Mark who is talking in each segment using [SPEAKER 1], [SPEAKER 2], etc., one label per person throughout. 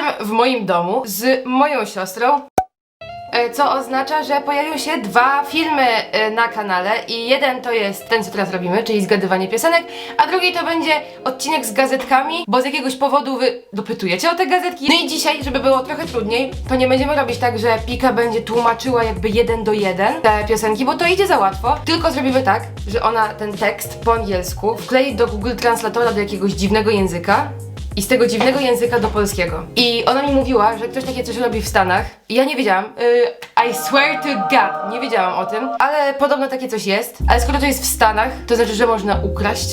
[SPEAKER 1] w moim domu z moją siostrą, co oznacza, że pojawią się 2 filmy na kanale i jeden to jest ten, co teraz robimy, czyli zgadywanie piosenek, a drugi to będzie odcinek z gazetkami, bo z jakiegoś powodu wy dopytujecie o te gazetki. No i dzisiaj, żeby było trochę trudniej, to nie będziemy robić tak, że Pika będzie tłumaczyła jakby 1 do 1 te piosenki, bo to idzie za łatwo, tylko zrobimy tak, że ona ten tekst po angielsku wklei do Google Translatora do jakiegoś dziwnego języka i z tego dziwnego języka do polskiego. I ona mi mówiła, że ktoś takie coś robi w Stanach. I ja nie wiedziałam. I swear to God, nie wiedziałam o tym. Ale podobno takie coś jest. Ale skoro to jest w Stanach, to znaczy, że można ukraść.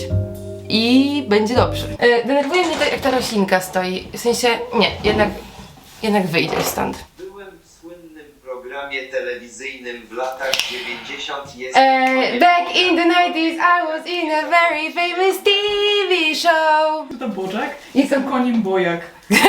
[SPEAKER 1] I będzie dobrze. Denerwuje mnie to, jak ta roślinka stoi. W sensie, nie, jednak wyjdzie stąd.
[SPEAKER 2] Byłem w słynnym programie telewizyjnym w latach 90.
[SPEAKER 1] Back in the 90s I was in a very famous TV show.
[SPEAKER 3] To Bożek? Jestem koniem Bojak.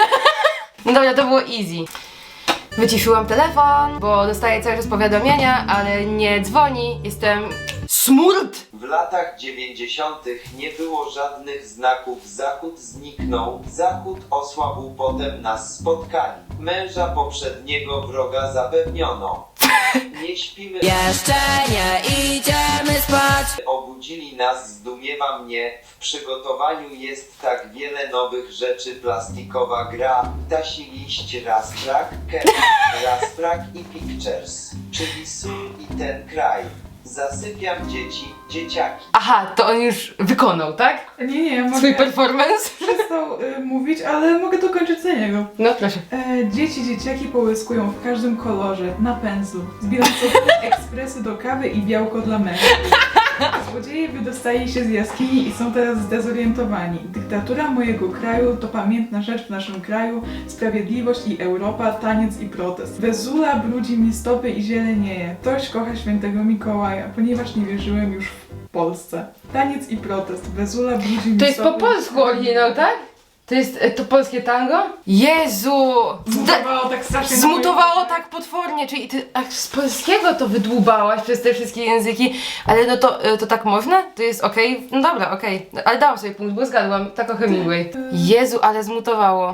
[SPEAKER 1] No dobra, to było easy. Wyciszyłam telefon, bo dostaję cały czas powiadomienia, ale nie dzwoni. Jestem smurt!
[SPEAKER 2] W latach 90. nie było żadnych znaków. Zachód zniknął, zachód osłabł, potem nas spotkali. Męża poprzedniego wroga zapewniono. Nie śpimy.
[SPEAKER 4] Jeszcze nie idziemy spać.
[SPEAKER 2] Obudzili nas, zdumiewa mnie. W przygotowaniu jest tak wiele nowych rzeczy. Plastikowa gra, ptasi liść, Rasprak, Rasprak i Pictures, czyli sól i ten kraj. Zasypiam dzieci, dzieciaki.
[SPEAKER 1] Aha, to on już wykonał, tak?
[SPEAKER 3] Nie, mogę
[SPEAKER 1] Swój performance?
[SPEAKER 3] przestał mówić, ale mogę dokończyć za niego.
[SPEAKER 1] No proszę.
[SPEAKER 3] Dzieci, dzieciaki połyskują w każdym kolorze, na pędzlu. Zbieram sobie ekspresy do kawy i białko dla mężczyzn. Złodzieje wydostali się z jaskini i są teraz zdezorientowani. Dyktatura mojego kraju to pamiętna rzecz w naszym kraju, sprawiedliwość i Europa, taniec i protest. Wezula brudzi mi stopy i zielenieje. Ktoś kocha świętego Mikołaja, ponieważ nie wierzyłem już w Polsce. Taniec i protest. Wezula brudzi mi
[SPEAKER 1] To jest po
[SPEAKER 3] stopy.
[SPEAKER 1] polsku oryginał, tak? To jest to polskie tango? Jezu!
[SPEAKER 3] Zmutowało tak strasznie. na
[SPEAKER 1] Zmutowało
[SPEAKER 3] moje-
[SPEAKER 1] tak potwornie, czyli ty z polskiego to wydłubałaś przez te wszystkie języki, ale no to tak można? To jest okej? No dobra, okej. Ale dałam sobie punkt, bo zgadłam, tak o Hemingway. Jezu, ale zmutowało.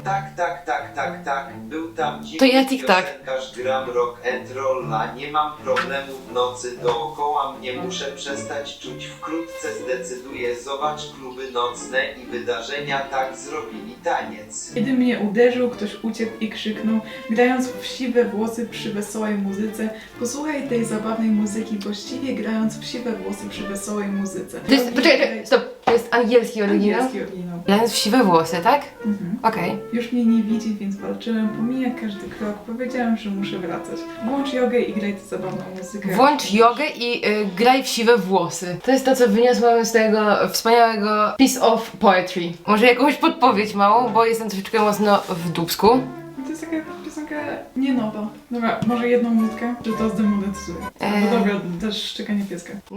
[SPEAKER 2] Tak. Był tam dziwny
[SPEAKER 1] To ja tik-tak.
[SPEAKER 2] piosenkarz, gram rock and rolla. Nie mam problemu w nocy, dookoła mnie muszę przestać czuć. Wkrótce zdecyduję, zobacz kluby nocne i wydarzenia, tak zrobili taniec.
[SPEAKER 3] Kiedy mnie uderzył, ktoś uciekł i krzyknął, grając w siwe włosy przy wesołej muzyce. Posłuchaj tej zabawnej muzyki, właściwie grając w siwe włosy przy wesołej muzyce.
[SPEAKER 1] To jest, poczekaj, stop, to jest angielski oryginał?
[SPEAKER 3] Angielski oryginał.
[SPEAKER 1] Grając w siwe włosy, tak?
[SPEAKER 3] Mhm.
[SPEAKER 1] Okej.
[SPEAKER 3] Już mnie nie widzi, więc walczyłem, pomija każdy krok. Powiedziałem, że muszę wracać. Włącz jogę i graj tę zabawną muzykę.
[SPEAKER 1] Włącz jogę i graj w siwe włosy. To jest to, co wyniosłam z tego wspaniałego piece of poetry. Może jakąś podpowiedź małą, bo jestem troszeczkę mocno w dupsku.
[SPEAKER 3] To jest taka piosenka nie nowa. Dobra, może jedną nutkę, że to zdemonetyzuje. No dobra, też szczekanie pieska.
[SPEAKER 1] No.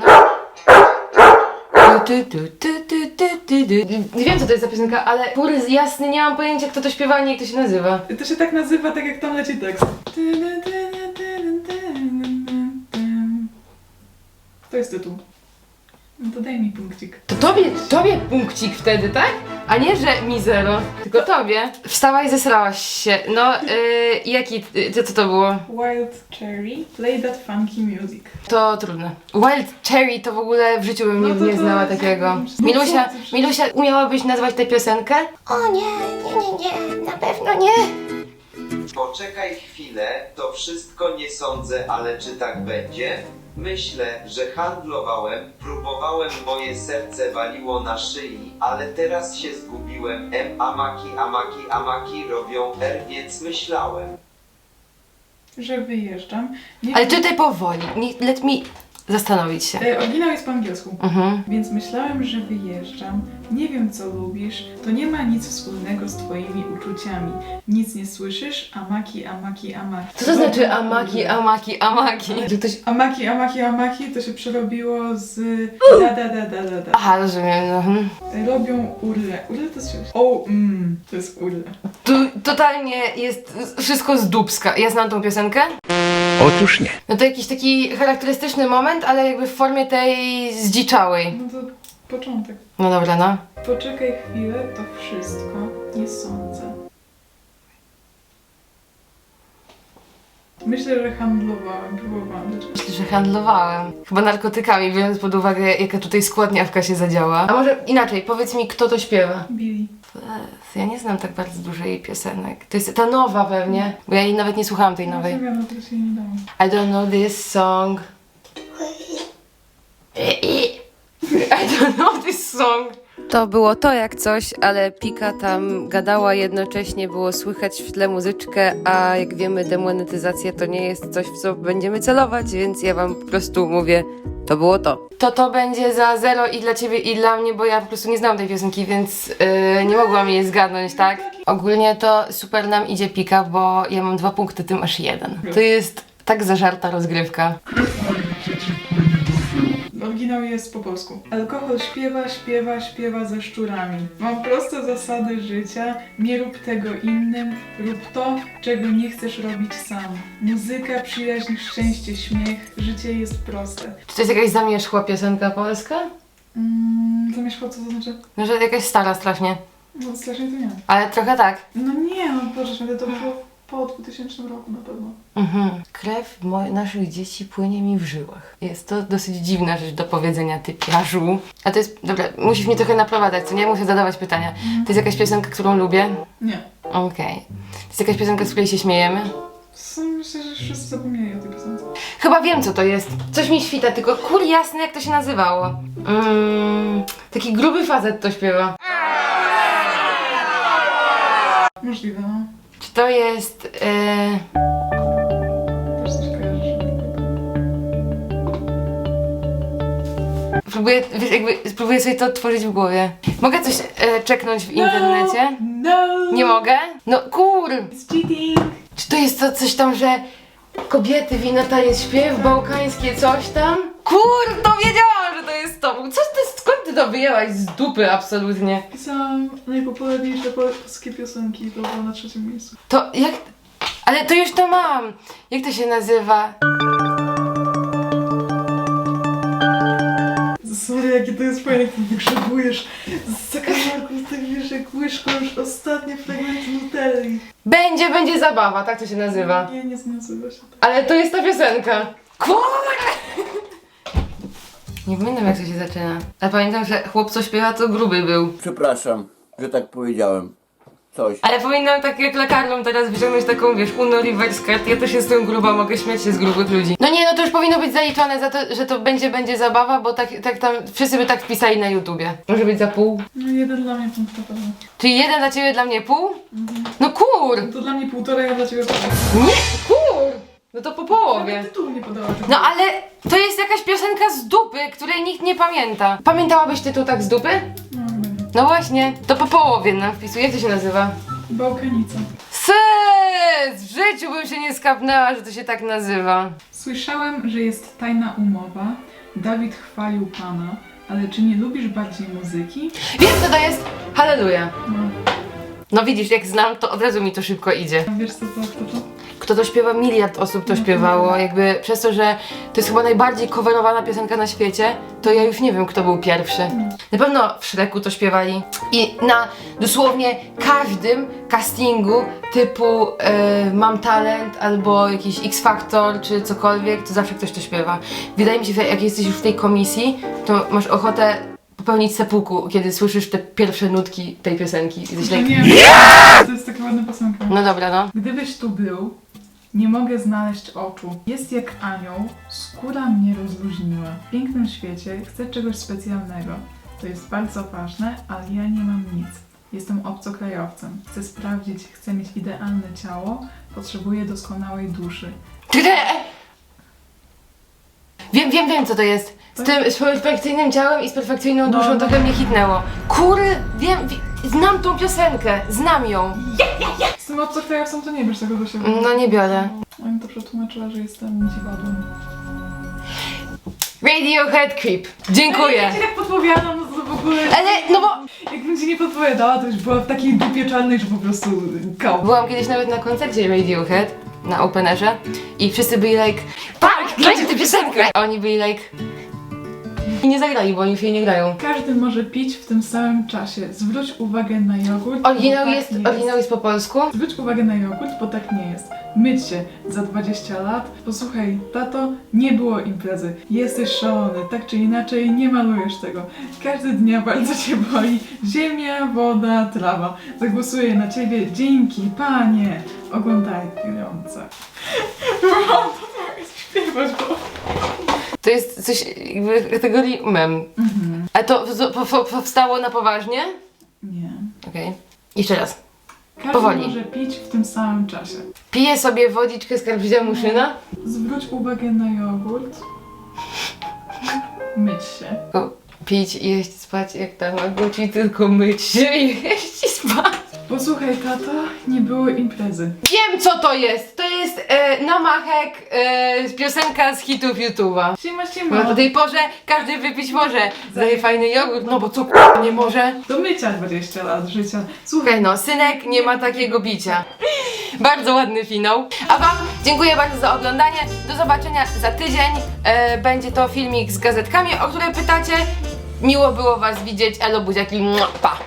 [SPEAKER 1] Nie wiem, co to jest za piosenka, ale kur jasny, nie mam pojęcia, kto to śpiewa, ani jak to się nazywa.
[SPEAKER 3] To się tak nazywa, tak jak tam leci tekst. To jest tytuł. No to daj mi punkcik.
[SPEAKER 1] To tobie punkcik wtedy, tak? A nie, że mi zero, tylko tobie. Wstałaś, zesrałaś się. No, co to było?
[SPEAKER 3] Wild Cherry, play that funky music.
[SPEAKER 1] To trudne. Wild Cherry to w ogóle w życiu bym
[SPEAKER 3] No
[SPEAKER 1] nigdy
[SPEAKER 3] to
[SPEAKER 1] nie
[SPEAKER 3] to
[SPEAKER 1] znała
[SPEAKER 3] jest-
[SPEAKER 1] takiego.
[SPEAKER 3] No
[SPEAKER 1] Milusia, umiałabyś nazwać tę piosenkę?
[SPEAKER 4] O nie, na pewno nie.
[SPEAKER 2] Poczekaj chwilę, to wszystko nie sądzę, ale czy tak będzie? Myślę, że handlowałem, próbowałem, moje serce waliło na szyi, ale teraz się zgubiłem. Amaki robią więc myślałem.
[SPEAKER 3] Że wyjeżdżam. Nie
[SPEAKER 1] Ale
[SPEAKER 3] wiem-
[SPEAKER 1] tutaj powoli, let me zastanowić się.
[SPEAKER 3] Oryginał jest po angielsku.
[SPEAKER 1] Mhm.
[SPEAKER 3] Więc myślałem, że wyjeżdżam. Nie wiem, co lubisz. To nie ma nic wspólnego z twoimi uczuciami. Nic nie słyszysz? Amaki.
[SPEAKER 1] Co to znaczy amaki? Że ktoś...
[SPEAKER 3] Amaki to się przerobiło z da.
[SPEAKER 1] Aha, rozumiem. No.
[SPEAKER 3] Robią urle. Urle to jest... to jest urle.
[SPEAKER 1] Tu totalnie jest wszystko z dupska. Ja znam tą piosenkę.
[SPEAKER 5] Otóż nie.
[SPEAKER 1] No to jakiś taki charakterystyczny moment, ale jakby w formie tej zdziczałej.
[SPEAKER 3] No to początek.
[SPEAKER 1] No dobra, no.
[SPEAKER 3] Poczekaj chwilę, to wszystko nie sądzę. Myślę, że handlowałem, próbowałam rzeczy.
[SPEAKER 1] Myślę, że handlowałem. Chyba narkotykami, biorąc pod uwagę, jaka tutaj składniawka się zadziała. A może inaczej, powiedz mi, kto to śpiewa?
[SPEAKER 3] Billy.
[SPEAKER 1] Ja nie znam tak bardzo dużo jej piosenek. To jest ta nowa pewnie, bo ja jej nawet nie słuchałam tej nowej.
[SPEAKER 3] Nie wiem, to się nie dało.
[SPEAKER 1] I don't know this song. I don't know this song. To było to jak coś, ale Pika tam gadała jednocześnie, było słychać w tle muzyczkę, a jak wiemy demonetyzacja to nie jest coś, w co będziemy celować, więc ja wam po prostu mówię, to było to. To będzie za 0 i dla ciebie i dla mnie, bo ja po prostu nie znam tej piosenki, więc nie mogłam jej zgadnąć, tak? Ogólnie to super nam idzie Pika, bo ja mam 2 punkty, ty masz 1. To jest tak zażarta rozgrywka.
[SPEAKER 3] Oryginał jest po polsku. Alkohol śpiewa, śpiewa, śpiewa ze szczurami. Mam proste zasady życia. Nie rób tego innym. Rób to, czego nie chcesz robić sam. Muzyka, przyjaźń, szczęście, śmiech. Życie jest proste.
[SPEAKER 1] Czy to jest jakaś zamierzchła piosenka polska?
[SPEAKER 3] Zamierzchło, co to znaczy?
[SPEAKER 1] No, że jakaś stara strasznie.
[SPEAKER 3] No strasznie to nie.
[SPEAKER 1] Ale trochę tak.
[SPEAKER 3] No nie, no Boże, święty, to było po 2000 roku na pewno.
[SPEAKER 1] Krew naszych dzieci płynie mi w żyłach. Jest to dosyć dziwna rzecz do powiedzenia, typiarzu. A to jest, dobra, musisz mnie trochę naprowadzać, co nie? Muszę zadawać pytania. To jest jakaś piosenka, którą lubię?
[SPEAKER 3] Nie.
[SPEAKER 1] Okej. To jest jakaś piosenka, z której się śmiejemy?
[SPEAKER 3] Myślę, że wszyscy zapomnieli o tej piosence.
[SPEAKER 1] Chyba wiem, co to jest. Coś mi świta, tylko kur jasny, jak to się nazywało. Taki gruby facet to śpiewa.
[SPEAKER 3] Możliwe, no.
[SPEAKER 1] Czy to jest...
[SPEAKER 3] Też coś kojarzysz.
[SPEAKER 1] Spróbuję sobie to odtworzyć w głowie. Mogę coś czeknąć w internecie?
[SPEAKER 3] No!
[SPEAKER 1] Nie mogę? No kur!
[SPEAKER 3] It's cheating!
[SPEAKER 1] Czy to jest to coś tam, że kobiety wina to jest śpiew, bałkańskie coś tam? Kur, to wiedziałam, że to jest to. Skąd ty to wyjęłaś z dupy absolutnie?
[SPEAKER 3] Pisałam najpopularniejsze polskie piosenki, to było na 3. miejscu.
[SPEAKER 1] To jak... Ale to już to mam. Jak to się nazywa?
[SPEAKER 3] Sorry, jakie to jest fajne, jak ty wygrzebujesz z zakamarków, tak wiesz, jak łyżką już ostatnie fragmenty Nutelli.
[SPEAKER 1] Będzie zabawa, tak to się nazywa.
[SPEAKER 3] Nie nazywa się tak.
[SPEAKER 1] Ale to jest ta piosenka. Kur... Nie pamiętam, jak to się zaczyna. Ale pamiętam, że chłop co śpiewa to gruby był.
[SPEAKER 5] Przepraszam, że tak powiedziałem. Coś.
[SPEAKER 1] Ale powinnam tak jak lekarną teraz wyciągnąć taką, wiesz, unoriwać z kart. Ja też jestem gruba, mogę śmiać się z grubych ludzi. No nie, no to już powinno być zaliczone za to, że to będzie zabawa, bo tak tam wszyscy by tak wpisali na YouTubie. Może być za pół.
[SPEAKER 3] No 1 dla mnie punkt na pewno.
[SPEAKER 1] Czyli 1 dla ciebie, dla mnie pół? No kur!
[SPEAKER 3] To dla mnie 1,5, a dla ciebie pół.
[SPEAKER 1] Nie, kur! No to po połowie.
[SPEAKER 3] Nawet tytułu nie podała.
[SPEAKER 1] No ale to jest jakaś piosenka z dupy, której nikt nie pamięta. Pamiętałabyś tytuł tak z dupy?
[SPEAKER 3] No, chyba nie.
[SPEAKER 1] No właśnie, to po połowie nam wpisuję. Jak to się nazywa?
[SPEAKER 3] Bałkanica.
[SPEAKER 1] Sys! W życiu bym się nie skapnęła, że to się tak nazywa.
[SPEAKER 3] Słyszałem, że jest tajna umowa. Dawid chwalił Pana, ale czy nie lubisz bardziej muzyki?
[SPEAKER 1] Wiem co to jest? Halleluja.
[SPEAKER 3] No,
[SPEAKER 1] No widzisz, jak znam, to od razu mi to szybko idzie.
[SPEAKER 3] wiesz co to?
[SPEAKER 1] Kto to śpiewa? Miliard osób to śpiewało. Jakby przez to, że to jest chyba najbardziej coverowana piosenka na świecie, to ja już nie wiem, kto był pierwszy. Na pewno w Shreku to śpiewali. I na dosłownie każdym castingu typu Mam Talent albo jakiś X Factor czy cokolwiek, to zawsze ktoś to śpiewa. Wydaje mi się, że jak jesteś już w tej komisji, to masz ochotę popełnić seppuku, kiedy słyszysz te pierwsze nutki tej piosenki. Jesteś like,
[SPEAKER 3] Nie, to jest taka ładna piosenka.
[SPEAKER 1] no dobra, no.
[SPEAKER 3] Gdybyś tu był, nie mogę znaleźć oczu. Jest jak anioł, skóra mnie rozluźniła. W pięknym świecie chcę czegoś specjalnego. To jest bardzo ważne, ale ja nie mam nic. Jestem obcokrajowcem. Chcę sprawdzić, chcę mieć idealne ciało, potrzebuję doskonałej duszy.
[SPEAKER 1] Wiem co to jest. Z perfekcyjnym ciałem i z perfekcyjną duszą
[SPEAKER 3] No.
[SPEAKER 1] trochę mnie hitnęło. Kury, znam tą piosenkę, znam ją.
[SPEAKER 3] Z tym obcokrajowcem to nie bierz tego do siebie.
[SPEAKER 1] No nie biorę.
[SPEAKER 3] Ja mi to przetłumaczyła, że jestem dziwadłem.
[SPEAKER 1] Radiohead Creep. Dziękuję.
[SPEAKER 3] Ja ci tak podpowiadam, no to w ogóle...
[SPEAKER 1] Ale, no bo...
[SPEAKER 3] Jakbym ci nie podpowiadała, to już była w takiej dupie czarnej, że po prostu kał.
[SPEAKER 1] Byłam kiedyś nawet na koncercie Radiohead, na openerze i wszyscy byli like, Park, grajcie tę piosenkę! A oni byli like, I nie zagrali, bo oni się nie grają.
[SPEAKER 3] Każdy może pić w tym samym czasie. Zwróć uwagę na jogurt.
[SPEAKER 1] Oryginał
[SPEAKER 3] bo tak
[SPEAKER 1] jest,
[SPEAKER 3] nie
[SPEAKER 1] oryginał jest po polsku.
[SPEAKER 3] Zwróć uwagę na jogurt, bo tak nie jest. Myć się za 20 lat. Posłuchaj, tato, nie było imprezy. Jesteś szalony, tak czy inaczej nie malujesz tego. Każdy dnia bardzo cię boli. Ziemia, woda, trawa. Zagłosuję na ciebie. Dzięki, panie. Oglądające. Mam to śpiewać, bo...
[SPEAKER 1] To jest coś jakby kategorii mem. A to powstało na poważnie?
[SPEAKER 3] Nie.
[SPEAKER 1] Okej. Jeszcze raz.
[SPEAKER 3] Każdy
[SPEAKER 1] Powoli.
[SPEAKER 3] może pić w tym samym czasie.
[SPEAKER 1] Piję sobie wodiczkę z karpia muszyna.
[SPEAKER 3] Zwróć uwagę na jogurt. Myć się.
[SPEAKER 1] Tylko pić, jeść, spać jak Tamagotchi, tylko myć się i jeść i spać.
[SPEAKER 3] Posłuchaj, tato, nie było imprezy.
[SPEAKER 1] Wiem co to jest! To jest namachek, piosenka z hitów YouTube'a.
[SPEAKER 3] Siema,
[SPEAKER 1] Bo
[SPEAKER 3] siema.
[SPEAKER 1] o tej porze każdy wypić może. Zaje fajny jogurt, no bo co nie może?
[SPEAKER 3] Do mycia 20 lat życia.
[SPEAKER 1] Słuchaj no, synek nie ma takiego bicia. Bardzo ładny finał. A wam dziękuję bardzo za oglądanie. Do zobaczenia za tydzień. Będzie to filmik z gazetkami, o które pytacie. Miło było was widzieć. Elo buziaki. Pa!